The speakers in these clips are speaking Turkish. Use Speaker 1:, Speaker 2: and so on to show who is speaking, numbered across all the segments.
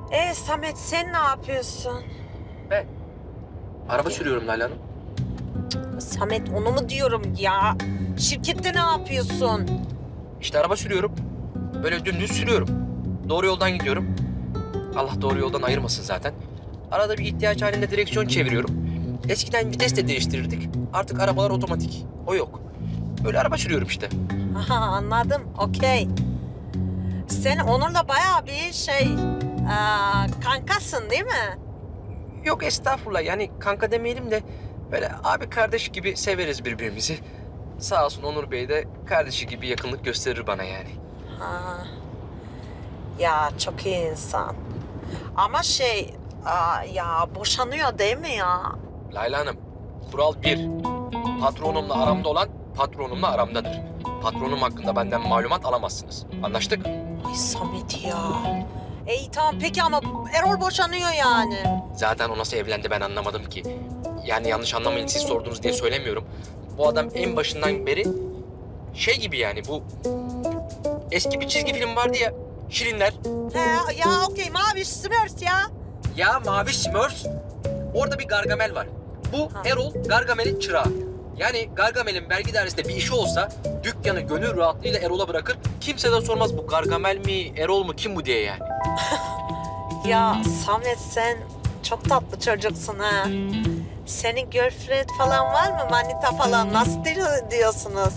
Speaker 1: Samet sen ne yapıyorsun?
Speaker 2: Ben araba sürüyorum Leyla Hanım.
Speaker 1: Samet onu mu diyorum ya? Şirkette ne yapıyorsun?
Speaker 2: İşte araba sürüyorum. Böyle dümdüz sürüyorum. Doğru yoldan gidiyorum. Allah doğru yoldan ayırmasın zaten. Arada bir ihtiyaç halinde direksiyon çeviriyorum. Eskiden vites de değiştirirdik. Artık arabalar otomatik. O yok. Böyle araba sürüyorum işte.
Speaker 1: Aha anladım, okey. Sen Onur'la bayağı bir kankasın değil mi?
Speaker 2: Yok estağfurullah, yani kanka demeyelim de böyle abi kardeş gibi severiz birbirimizi. Sağ olsun Onur Bey de kardeşi gibi yakınlık gösterir bana yani.
Speaker 1: Ha. Ya çok iyi insan. Ama ya boşanıyor değil mi ya?
Speaker 2: Layla Hanım, kural 1. Patronumla aramda olan patronumla aramdadır. Patronum hakkında benden malumat alamazsınız. Anlaştık?
Speaker 1: Ay Samet ya. İyi tamam peki ama Erol boşanıyor yani.
Speaker 2: Zaten o nasıl evlendi ben anlamadım ki. Yani yanlış anlamayın, siz sordunuz diye söylemiyorum. Bu adam en başından beri şey gibi, yani bu eski bir çizgi film vardı ya, Şirinler.
Speaker 1: He ya okey Maviş Smurfs ya.
Speaker 2: Ya Mavi Smurfs. Orada bir Gargamel var. Bu
Speaker 1: Ha.
Speaker 2: Erol Gargamel'in çırağı. Yani Gargamel'in vergi dairesinde bir işi olsa dükkanı gönül rahatlığıyla Erol'a bırakır. Kimse de sormaz bu Gargamel mi, Erol mu, kim bu diye yani.
Speaker 1: Ya Samet sen çok tatlı çocuksun ha. Senin girlfriend falan var mı? Manita falan nasıl diyorsunuz?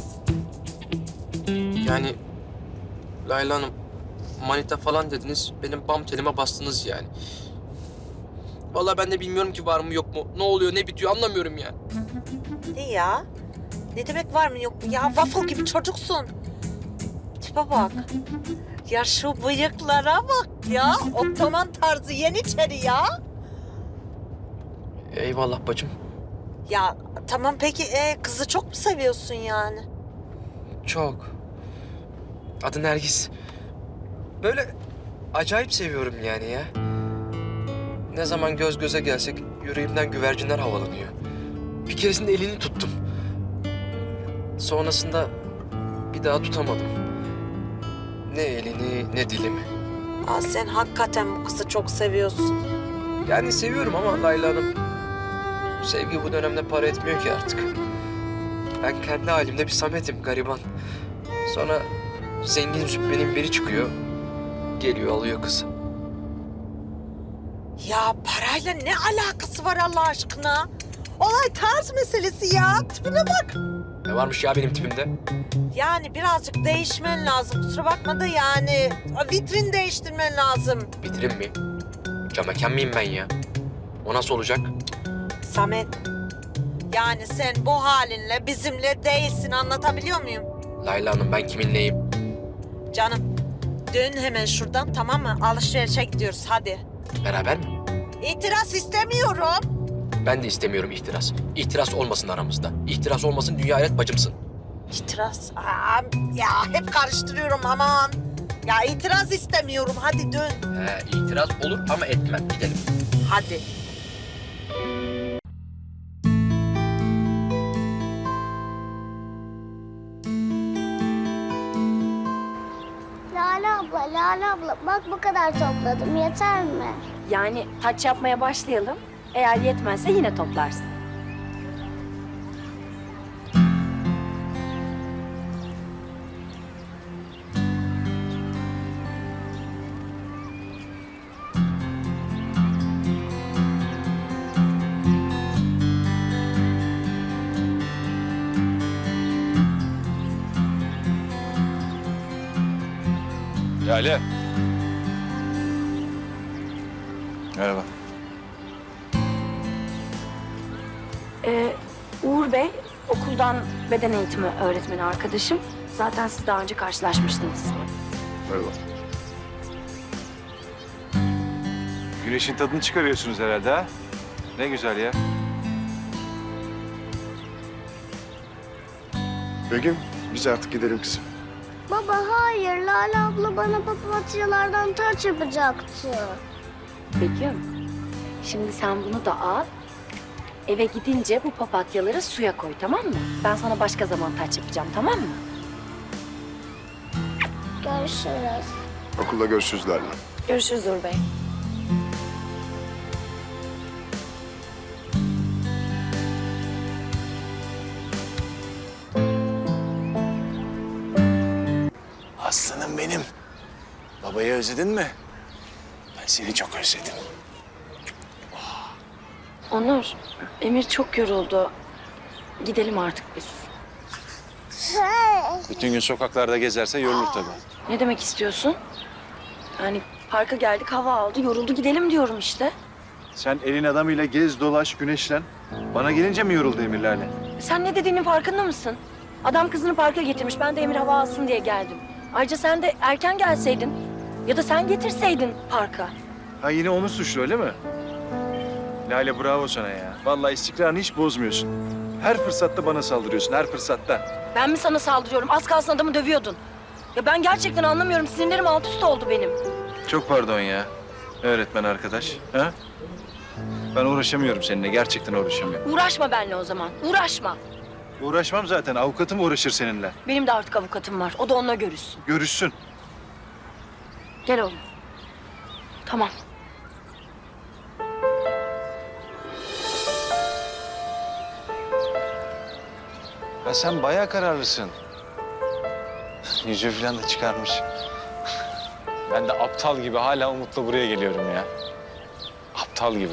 Speaker 2: Yani Layla Hanım, manita falan dediniz, benim bam telime bastınız yani. Vallahi ben de bilmiyorum ki var mı yok mu, ne oluyor ne bitiyor anlamıyorum yani.
Speaker 1: Ne ya? Ne demek var mı yok mu? Ya waffle gibi çocuksun. Tipe bak. Ya şu bıyıklara bak ya. Ottoman tarzı Yeniçeri ya.
Speaker 2: Eyvallah bacım.
Speaker 1: Ya tamam peki kızı çok mu seviyorsun yani?
Speaker 2: Çok. Adı Nergis. Böyle acayip seviyorum yani ya. Ne zaman göz göze gelsek yüreğimden güvercinler havalanıyor. Bir keresinde elini tuttum. Sonrasında bir daha tutamadım. Ne elini ne dilimi.
Speaker 1: Aa, sen hakikaten bu kızı çok seviyorsun.
Speaker 2: Yani seviyorum ama Layla Hanım, sevgi bu dönemde para etmiyor ki artık. Ben kendi halimde bir Samet'im, gariban. Sonra zengin züppenin biri çıkıyor, geliyor alıyor kızı.
Speaker 1: Ya parayla ne alakası var Allah aşkına? Olay tarz meselesi ya. Tipine bak.
Speaker 2: Ne varmış ya benim tipimde?
Speaker 1: Yani birazcık değişmen lazım. Kusura bakma da yani vitrin değiştirmen lazım.
Speaker 2: Bitirim mi? Cam mekan mıyım ben ya? O nasıl olacak?
Speaker 1: Samet, yani sen bu halinle bizimle değilsin anlatabiliyor muyum?
Speaker 2: Layla Hanım, ben kiminleyim?
Speaker 1: Canım, dön hemen şuradan tamam mı? Alışverişe gidiyoruz hadi.
Speaker 2: Beraber mi?
Speaker 1: İtiraz istemiyorum.
Speaker 2: Ben de istemiyorum ihtiras. İhtiras olmasın aramızda. İhtiras olmasın, dünya hayret bacımsın.
Speaker 1: İtiraz? Aa, ya hep karıştırıyorum aman. Ya itiraz istemiyorum hadi dön.
Speaker 2: İtiraz olur ama etmem. Gidelim.
Speaker 1: Hadi.
Speaker 3: Lale abla bak bu kadar topladım yeter mi?
Speaker 4: Yani taç yapmaya başlayalım. Eğer yetmezse yine toplarsın.
Speaker 5: Lale. Merhaba.
Speaker 4: Uğur Bey, okuldan beden eğitimi öğretmeni arkadaşım. Zaten siz daha önce karşılaşmıştınız.
Speaker 5: Merhaba. Güneşin tadını çıkarıyorsunuz herhalde ha? Ne güzel ya.
Speaker 6: Begüm, biz artık gidelim kızım.
Speaker 3: Baba hayır Lale abla bana papatyalardan taç yapacaktı.
Speaker 4: Begüm, şimdi sen bunu da al. Eve gidince bu papatyaları suya koy, tamam mı? Ben sana başka zaman taç yapacağım, tamam mı?
Speaker 3: Görüşürüz.
Speaker 6: Okulda görüşürüz Lale.
Speaker 4: Görüşürüz Uğur Bey.
Speaker 5: Babayı özledin mi? Ben seni çok özledim.
Speaker 4: Onur, Emir çok yoruldu. Gidelim artık biz.
Speaker 5: Bütün gün sokaklarda gezerse yorulur tabii.
Speaker 4: Ne demek istiyorsun? Yani parka geldik, hava aldı, yoruldu, gidelim diyorum işte.
Speaker 5: Sen elin adamıyla gez, dolaş, güneşlen. Bana gelince mi yoruldu Emir Lale?
Speaker 4: Sen ne dediğinin farkında mısın? Adam kızını parka getirmiş, ben de Emir hava alsın diye geldim. Ayrıca sen de erken gelseydin ya da sen getirseydin parka.
Speaker 5: Ha yine onu suçlu öyle mi? Lale bravo sana ya. Vallahi istikrarını hiç bozmuyorsun. Her fırsatta bana saldırıyorsun, her fırsatta.
Speaker 4: Ben mi sana saldırıyorum? Az kalsın adamı dövüyordun. Ya ben gerçekten anlamıyorum. Sinirlerim alt üst oldu benim.
Speaker 5: Çok pardon ya. Öğretmen arkadaş. Ha? Ben uğraşamıyorum seninle. Gerçekten uğraşamıyorum.
Speaker 4: Uğraşma benimle o zaman. Uğraşma.
Speaker 5: Uğraşmam zaten. Avukatım uğraşır seninle.
Speaker 4: Benim de artık avukatım var. O da onunla görüşsün.
Speaker 5: Görüşsün.
Speaker 4: Gel oğlum. Tamam.
Speaker 5: Ya sen bayağı kararlısın. Yüzüğü falan da çıkarmış. Ben de aptal gibi hala Umut'la buraya geliyorum ya. Aptal gibi.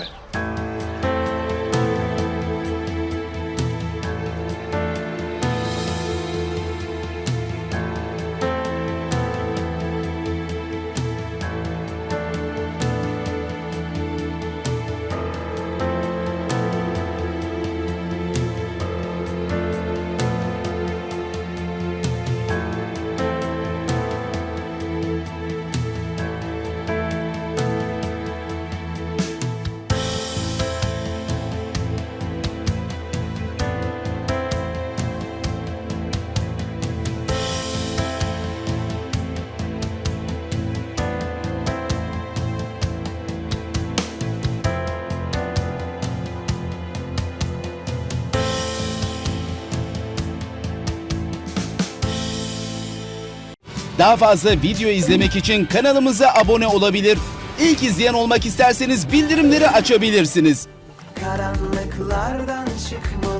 Speaker 7: Daha fazla video izlemek için kanalımıza abone olabilir. İlk izleyen olmak isterseniz bildirimleri açabilirsiniz.
Speaker 8: Karanlıklardan çıkmalı